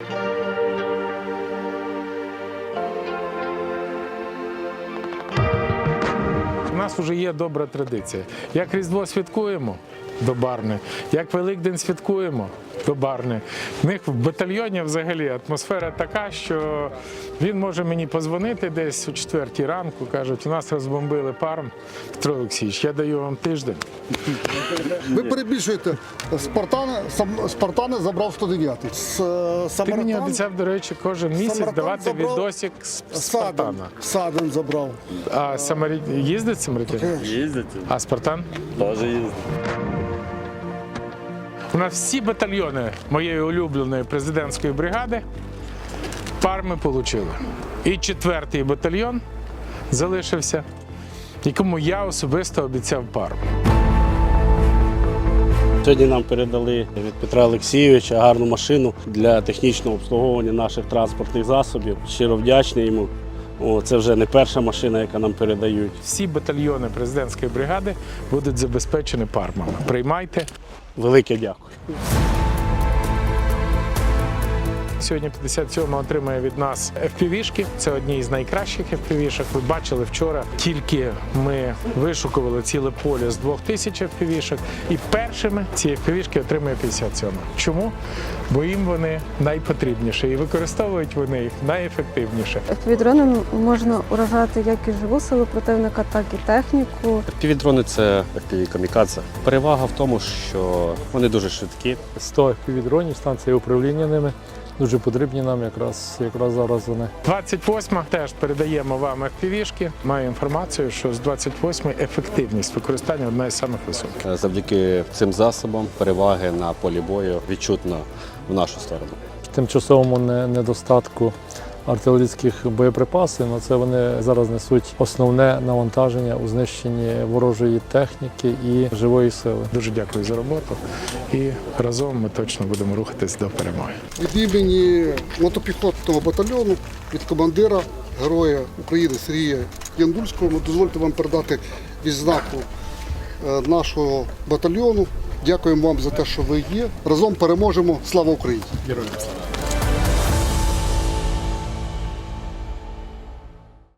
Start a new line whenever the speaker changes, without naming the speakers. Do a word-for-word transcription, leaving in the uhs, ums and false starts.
У нас вже є добра традиція. Як Різдво святкуємо – до Барни, як Великдень святкуємо – до Барни. В них в батальйоні взагалі атмосфера така, що він може мені подзвонити десь о четвертій ранку, кажуть, у нас розбомбили Парм. Петро Олексійович, я даю вам тиждень.
Ви перебільшуєте. Спартани, Спартани забрав сто дев'ятий.
Ти мені обіцяв, до речі, кожен місяць
Самарканд
давати
забрав
відосик з
Саден,
Спартана.
Саден забрав.
А Самарі... їздить Самарітян?
Їздять.
А Спартан?
Теж їздять.
У нас всі батальйони моєї улюбленої президентської бригади Парми отримали. І четвертий батальйон залишився, якому я особисто обіцяв Парм.
Сьогодні нам передали від Петра Олексійовича гарну машину для технічного обслуговування наших транспортних засобів. Щиро вдячний йому. О, це вже не перша машина, яка нам передають.
Всі батальйони президентської бригади будуть забезпечені Пармами. Приймайте.
Велике дякую.
Сьогодні п'ятдесят сьома отримає від нас еф пі ві-шки. Це одні з найкращих еф пі ві-шок. Ви бачили вчора, тільки ми вишукували ціле поле з двох тисяч еф пі ві-шок. І першими ці еф пі ві-шки отримує п'ятдесят сьома. Чому? Бо їм вони найпотрібніші і використовують вони їх найефективніше.
еф пі ві-дроном можна уражати як і живу силу противника, так і техніку.
еф пі ві-дрони – це еф пі ві-камікадзе. Перевага в тому, що вони дуже швидкі.
сто еф пі ві-дронів, станція управління ними. Дуже потрібні нам якраз, якраз зараз вони.
двадцять восьма теж передаємо вам еф пі ві-шки. Маю інформацію, що з двадцять восьмої ефективність використання одна з самих високих.
Завдяки цим засобам переваги на полі бою відчутно в нашу сторону.
Тимчасовому недостатку артилерійських боєприпасів, на це вони зараз несуть основне навантаження у знищенні ворожої техніки і живої сили.
Дуже дякую за роботу і разом ми точно будемо рухатись до перемоги.
Від імені мотопіхотного батальйону, від командира, героя України Сергія Яндульського, дозвольте вам передати відзнаку нашого батальйону. Дякуємо вам за те, що ви є. Разом переможемо. Слава Україні!
Героям слава!